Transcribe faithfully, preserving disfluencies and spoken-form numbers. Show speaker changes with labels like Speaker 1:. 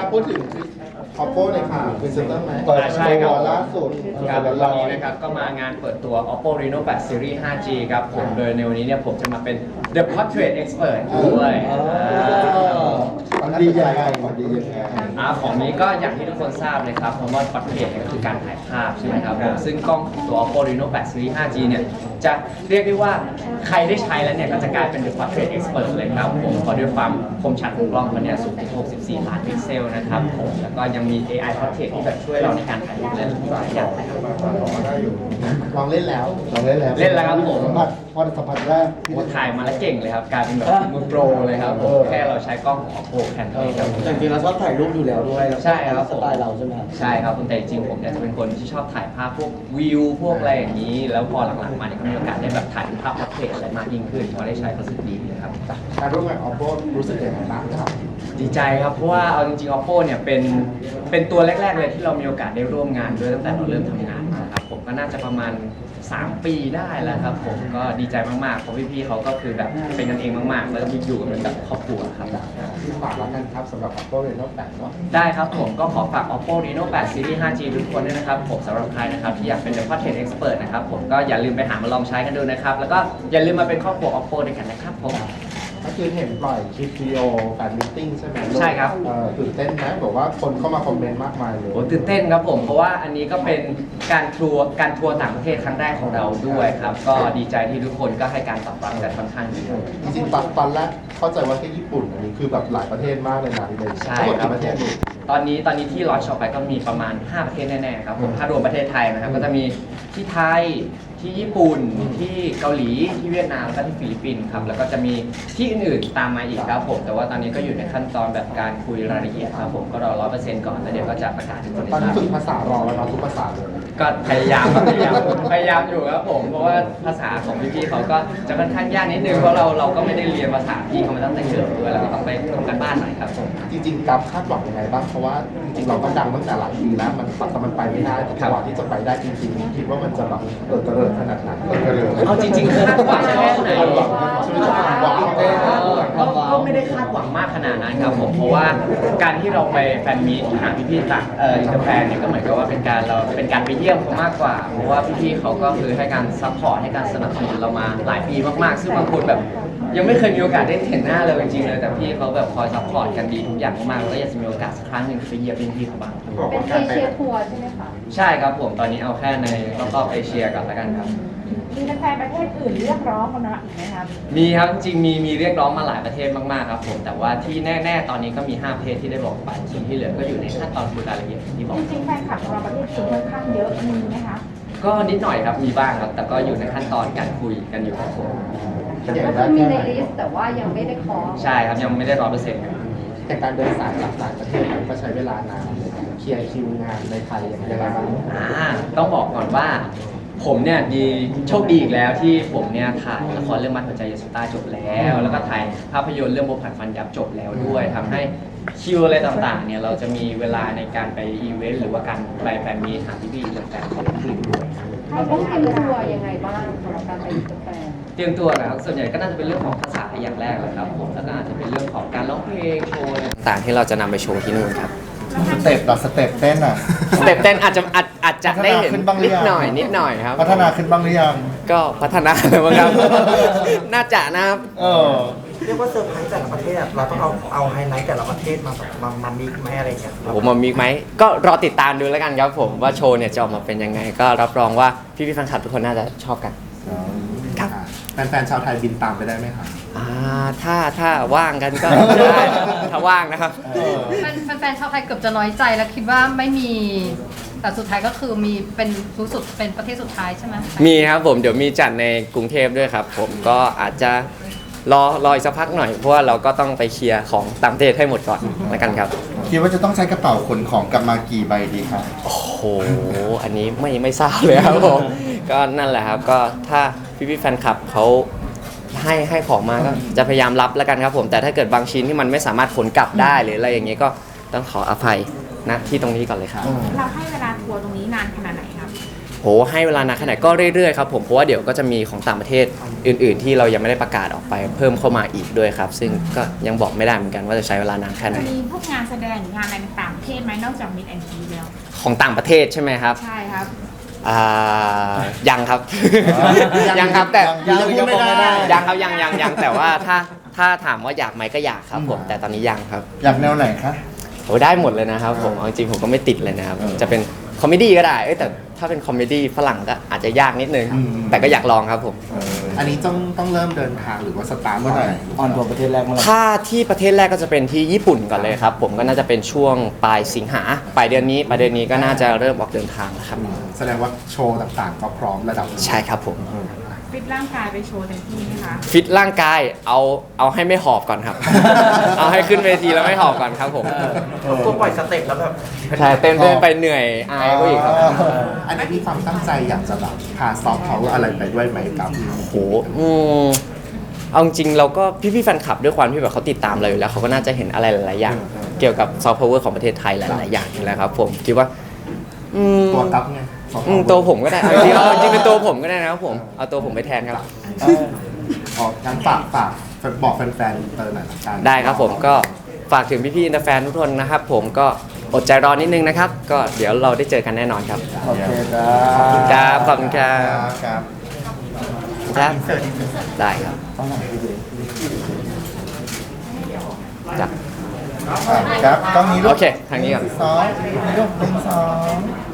Speaker 1: พูดถึง Oppo หน่อยค่ะเป็นเซ็นเตอร์ไหม
Speaker 2: ใช่ครับ
Speaker 1: ล่าสุด
Speaker 2: ครับวันนี้นะครับก็มางานเปิดตัว Oppo Reno แปด Series ไฟว์ จี ครับผมโดยในวันนี้เนี่ยผมจะมาเป็น The Portrait Expert ด้วย
Speaker 1: มันดียังไงมันดียังไง
Speaker 2: อ่าของนี้ก็อย่างที่ทุกคนทราบเลยครับเพราะว่า Portrait เนี่ยก็คือการถ่ายภาพใช่ไหมครับผมซึ่งกล้องของตัว Oppo Reno แปด Series ไฟว์ จี เนี่ยจะเรียกได้ว่าใครได้ใช้แล้วเนี่ยก็จะกลายเป็น The Portrait Expert เลยครับผมเพราะด้วยความคมชัดของกล้องมันเนี่ยสูงถึงหกสิบสี่ล้านพิกเซลนะครับผมแล้วก็ยังมี เอ ไอ Portrait ที่แบบช่วยเราในการถ่ายรูปและหลายอย่างนะครับ
Speaker 1: ลองเล่นแล้วลองเล่นแล้ว
Speaker 2: เล่นแล้วครับผม
Speaker 1: สัมผัสพอสัมผัสแรก
Speaker 2: โอ้ถ่ายมาแล้วเก่งเลยครับกลายเป็นแบบมือโปรเลยครับผมแค่เราใช้กล้องของ Oppo แค่นั้นเองครับ
Speaker 3: จริงๆเราชอบถ่ายรูปอยู่แล้วด้วย
Speaker 2: ใช่ครับ
Speaker 3: สไตล์เราใช่ไหมครับ
Speaker 2: ใช่ครับแต่จริงๆผมเนี่ยจะเป็นคนที่ชอบถ่ายภาพพวกวิวพวกอะไรอย่างนี้ แล้วพอหลังๆมาเนี่ยก็มีโอกาสได้แบบถ่ายภาพพอร์เทรตอะไรมากยิ่งขึ้นพอได้ใช้ก็รู้สึกดีเลยครับ
Speaker 1: การร่วมงาน Oppo รู้สึกยังไงบ้างครับ
Speaker 2: ดีใจครับเพราะว่าเอาจริงๆ Oppo เนี่ยเป็นเป็นตัวแรกๆเลยที่เรามีโอกาสได้ร่วมงานด้วยตั้งแต่เราเริ่มทำงานนะครับผมก็น่าจะประมาณสามปีได้แล้วครับผมก็ดีใจมากๆเพราะพี่ๆเขาก็คือแบบเป็นกันเองมากๆแล้วก็อยู่กันเป็นแบบครอบครัวครับ
Speaker 1: ฝากแล้วกันครับสำหรับ Oppo Reno แปดเนาะ
Speaker 2: ได้ครับผมก็ขอฝาก Oppo Reno แปด Series ไฟว์ จี ทุกคนด้วยนะครับผมสำหรับใครนะครับที่อยากเป็น The Portrait Expert นะครับผมก็อย่าลืมไปหามาลองใช้กันดูนะครับแล้วก็อย่าลืมมาเป็นครอบครัว Oppo ด้วยกันนะครับผม
Speaker 1: เมื่อคืนเห็นปล่อยคลิปวิดีโอแฟนมิทติ้งใช่ไหม
Speaker 2: ใช่ครับ
Speaker 1: เอ่อตื่นเต้นไหมบอกว่าคนเข้ามาคอมเมนต์มากมายเลย
Speaker 2: โอ้ตื่นเต้นครับผมเพราะว่าอันนี้ก็เป็นการทัวร์การทัวร์ต่างประเทศครั้งแรกของเราด้วยครับก็ดีใจที่ทุกคนก็ให้การตอบรับกันค่อนข้างดีครับ
Speaker 1: จริงๆตอนตอนแรกเข้าใจว่าแค่ญี่ปุ่นอันนี้คือแบบหลายประเทศมากเลยนะที่เป็น
Speaker 2: ใช่
Speaker 1: ทั้งหมด
Speaker 2: ครับ
Speaker 1: กี่ประเทศลูก
Speaker 2: ตอนนี้ตอนนี้ที่ลอนช์ออกไปก็มีประมาณห้าประเทศแน่ๆครับผมถ้ารวมประเทศไทยนะครับก็จะมีที่ไทยที่ญี่ปุ่นที่เกาหลีที่เวียดนามแล้วก็ที่ฟิลิปปินส์ครับแล้วก็จะมีที่อื่นๆตามมาอีกครับผมแต่ว่าตอนนี้ก็อยู่ในขั้นตอนแบบการคุยรายละเอียดครับผมก็รอร้อยเปอร์เซ็นต์ก่อนแล้วเดี๋ยวก็จะประกาศให้ทุกคน
Speaker 1: ตอน
Speaker 2: ได้
Speaker 1: นี้
Speaker 2: ทราบ
Speaker 1: ฝึกภาษารอแล้วเนาะทุกภาษาเลย
Speaker 2: ก็พยายามครับพยายามพยายามอยู่ครับผมเพราะว่าภาษาของพี่ๆเขาก็จะค่อนข้างยากนิดนึงเพราะเราเราก็ไม่ได้เรียนภาษาพี่เขามาตั้งแต่เกิดด้วยแล้วก็ต้องไปทำกันบ้านหน่อยครับผม
Speaker 1: จริงๆกับคาดหวังยังไงบ้างเพราะว่าจริงๆเราก็ดังตั้งแต่หลายปีแล้วมันแต่มันไปไม่ได้แต่กว่าที่จะไปได้จริงๆคิดว่ามันจะแบบเกิดกระเริงขนาดไหนเกิดกระเริง
Speaker 2: เอาจริงๆคาดหวังแค่ไหน
Speaker 1: คาดหวังคาดหวังใช่ไหมคาดหวัง
Speaker 2: ก็ก็ไม่ได้คาดหวังมากขนาดนั้นครับผมเพราะว่าการที่เราไปแฟนมีตหาพี่ๆต่างเอ่ออินเตอร์แฟนเนี่ยก็เหมือนกับว่าเป็นการเราเป็นการไปเยี่ยมเขามากกว่าเพราะว่าพี่ๆเขาก็คือให้การซัพพอร์ตให้การสนับสนุนเรามาหลายปีมากๆซึ่งบางคนแบบยังไม่เคยมีโอกาสได้เห็นหน้าเลยจริงๆเลยแต่พี่เขาแบบคอยซัพพอร์ตกันดีทุกอย่างมากๆแล้วก็อยากจะมีโอกาสสักครั้งหนึ่งไปเยี่ยมพี่ๆเขาบ้าง
Speaker 4: เป็นเอเชียทัวร์ใช่ไหมคะ
Speaker 2: ใช่ครับผมตอนนี้เอาแค่ในรอบๆเอเชียก่อนแล้วกันครับ
Speaker 4: มีแฟนๆประเทศอื่นเรียกร้องกันนะอีกไหมครับ
Speaker 2: มีครับจริงๆมีมีเรียกร้องมาหลายประเทศมากๆครับผมแต่ว่าที่แน่ๆตอนนี้ก็มีห้าประเทศที่ได้บอกไปส่วนที่เหลือก็อยู่ในขั้นตอนคุยรายละเอียดอย่างที่บอก
Speaker 4: จริงๆแฟนคลับของเราประเทศจีนค่อนข้างเยอะมีไหมคะ
Speaker 2: ก็นิดหน่อยครับมีบ้างครับแต่ก็อยู่ในขั้นตอนการคุยกันอยู่ครับผม
Speaker 4: ก็คือมีในลิสต์แต่ว่ายังไม่ได้ขอ
Speaker 2: ใช่ครับยังไม่ได้ร้อยเปอร์เซ็นต์ครับ
Speaker 1: แต่การเดินสายจากต่างประเทศมันก็ใช้เวลานานในการเคลียร์คิวงานในไทยอย่างไรบ้าง
Speaker 2: อ่าต้องบอกก่อนว่า ผมเนี่ยดีโชคดีอีกแล้วที่ผมเนี่ยถ่ายละครเรื่องมัดหัวใจยาสุต้าจบแล้ว แล้วก็ถ่ายภาพยนตร์เรื่องโบผัดฟันยับจบแล้วด้วยทำให้คิวอะไรต่างๆเนี่ยเราจะมีเวลาในการไปอีเวนต์หรือว่าการไปแฟนมีตหาพี่ๆแฟนๆของคนอื่นด้วย
Speaker 4: เราต้องเตรียมตัวยังไงบ้างสำหรับการไปอินเตอร์แฟน
Speaker 2: เตรียมตัวนะครับส่วนใหญ่ก็น่าจะเป็นเรื่องของภาษาอย่างแรกเลยครับผมแล้วก็อาจจะเป็นเรื่องของการร้องเพลงโชว์อะไรต่างๆที่เราจะนำไปโชว์ที่นู่นครับ
Speaker 1: สเต็ปเราสเต็ปเต้นอ่ะ
Speaker 2: สเต็ปเต้นอาจจะอาจอาจจะได้เห็น
Speaker 1: พัฒนาขึ้นบ้างหรือ
Speaker 2: นิด
Speaker 1: ยัง
Speaker 2: หน่อยนิดหน่อยครับ
Speaker 1: พัฒนาขึ้นบ้างหรือยัง
Speaker 2: ก็พัฒนาแล้วมั้งครับ น่าจะนะครับ
Speaker 1: เออ
Speaker 3: เรียกว่าเซอร์ไพรส์แต่ละประเทศเราต้องเอาเอาไฮไลท์แต่ละประเทศมาแบบมามามิกซ์ไหมอะไรอย่างเงี้ย
Speaker 2: ผมมามีไหมก็รอติดตามดูแล้วกันครับผมว่าโชว์เนี่ยจะออกมาเป็นยังไง ก็รับรองว่าพี่พี่ๆแฟนคลับทุกคนน่าจะชอบกัน ครับ
Speaker 1: แฟนๆชาวไทยบินตามไปได้ไหมครับ
Speaker 2: อ่าถ้าถ้าว่างกันก็ได้ถ้าว่างนะครับ
Speaker 5: แฟนแฟนๆชาวไทยเกือบจะน้อยใจแล้วคิดว่าไม่มี แต่สุดท้ายก็คือมีเป็นรู้สุดเป็นประเทศสุดท้ายใช่ไหม
Speaker 2: มีครับผมเดี๋ยวมีจัดในกรุงเทพด้วยครับผมก็อาจจะรอรออีกสักพักหน่อยเพราะว่าเราก็ต้องไปเคลียร์ของต่างประเทศให้หมดก่อนแล้วกันครับ
Speaker 1: คิดว่าจะต้องใช้กระเป๋าขนของกลับมากี่ใบดีครับ
Speaker 2: โอ้โหอันนี้ไม่ไม่ทราบเลยครับผมก็นั่นแหละครับก็ถ้าพี่พี่ๆแฟนคลับเขาให้ให้ของมาก็จะพยายามรับแล้วกันครับผมแต่ถ้าเกิดบางชิ้นที่มันไม่สามารถขนกลับได้หรืออะไรอย่างเงี้ยก็ต้องขออภัยนะที่ตรงนี้ก่อนเลยครับ
Speaker 4: เราให้เวลาทัวร์ตรงนี้นานขนาดไหนครับ
Speaker 2: โโหให้เวลานานแค่ไหนก็เรื่อยๆครับผมเพราะว่าเดี๋ยวก็จะมีของต่างประเทศอื่น ๆ ที่เรายังไม่ได้ประกาศออกไปเพิ่มเข้ามาอีกด้วยครับ ซึ่งก็ยังบอกไม่ได้เหมือนกันว่าจะใช้เวลานานแค่ไหน
Speaker 6: มีพวกงานแสดงหรืองานอะไรต่างประเทศไหมนอกจากมิดแอนด์ทีแล้ว
Speaker 2: ของต่างประเทศใช่ไหมครับ
Speaker 6: ใช่ครับ
Speaker 2: อ่ายังครับ ยังครับแต่
Speaker 3: ยังพูดไม่ได้
Speaker 2: ยังครับยังยังยังแต่ว่าถ้าถ้าถามว่าอยากไหมก็อยากครับผมแต่ตอนนี้ยังครับ
Speaker 3: อยากแนวไหนคะ
Speaker 2: โอ้ได้หมดเลยนะครับผมเอาจริงๆผมก็ไม่ติดเลยนะครับ
Speaker 3: เออ
Speaker 2: จะเป็นคอมเมดี้ก็ได้เอ้ยแต่ถ้าเป็นคอมเมดี้ฝรั่งก็อาจจะยากนิดนึง
Speaker 3: อืม
Speaker 2: แต่ก็อยากลองครับผม
Speaker 1: อันนี้ต้องต้องเริ่มเดินทางหรือว่าสตาร์ท
Speaker 3: เมื่อไหร่
Speaker 1: ออนทัวร์ประเทศแรกเมื่อไหร่
Speaker 2: ถ้าที่ประเทศแรกก็จะเป็นที่ญี่ปุ่นก่อนเลยครับ ผมก็น่าจะเป็นช่วงปลายสิงหาปลายเดือนนี้ปลายเดือนนี้ก็น่าจะเริ่มออกเดินทางแล้วครับ
Speaker 1: แสดงว่าโชว์ต่างๆ ก็พร้อมระดับหนึ่ง
Speaker 2: ใช่ครับผม
Speaker 6: ฟิตร่างกายไปโชว์เต็มที่ไหมคะ
Speaker 2: ฟิตร่างกายเอาเอาให้ไม่หอบก่อนครับ เอาให้ขึ้นเวทีแล้วไม่หอบก่อนครับผม
Speaker 3: ตัวปล่อยสเต็ปแล้วแบบ
Speaker 2: ใช่เต้นเต้นไปเหนื่อยอายก็อีกครับ
Speaker 1: อันนี้มีความตั้งใจอยากจะแบบพาซอฟต์พาวเวอร์อะไรไปด้วยไหมครับ
Speaker 2: โอ้โหอืมเอาจริงๆเราก็พี่ๆแฟนคลับด้วยความที่แบบเขาติดตามเราอยู่แล้วเขาก็น่าจะเห็นอะไรหลายๆอย่าง เกี่ยวกับซอฟต์พาวเวอร์ของประเทศไทยหลายๆอย่างอยู่แล้วครับผมคิดว่าอืม
Speaker 1: ตัวกับไง soft
Speaker 2: อืม
Speaker 1: power
Speaker 2: ตัวผมก็ได้เอาจริงๆเอาจริงๆเป็นตัวผมก็ได้นะครับผมเอาตัวผมไปแทนครับ
Speaker 1: ออกงั้นฝากฝากบอกแฟนๆอินเตอร์หน่อยละกัน
Speaker 2: ได้ครับผมก็ฝากถึงพี่ๆอินเตอร์แฟนทุกคนนะครับ ผมก็อดใจรอนิดนึงนะครับ ก็เดี๋ยวเราได้เจอกันแน่นอนครับ
Speaker 3: โอเคจ้า
Speaker 2: ครับขอบคุณครับ
Speaker 3: ครับ
Speaker 2: ครับ
Speaker 3: อินเสิร์ตอินเสิร์ต
Speaker 2: ได้ครับจับ
Speaker 3: ครับกล้องนี้ลู
Speaker 2: โอก เคทางนี้ก่อน
Speaker 3: สองนี่ลูกหนึ่งสอง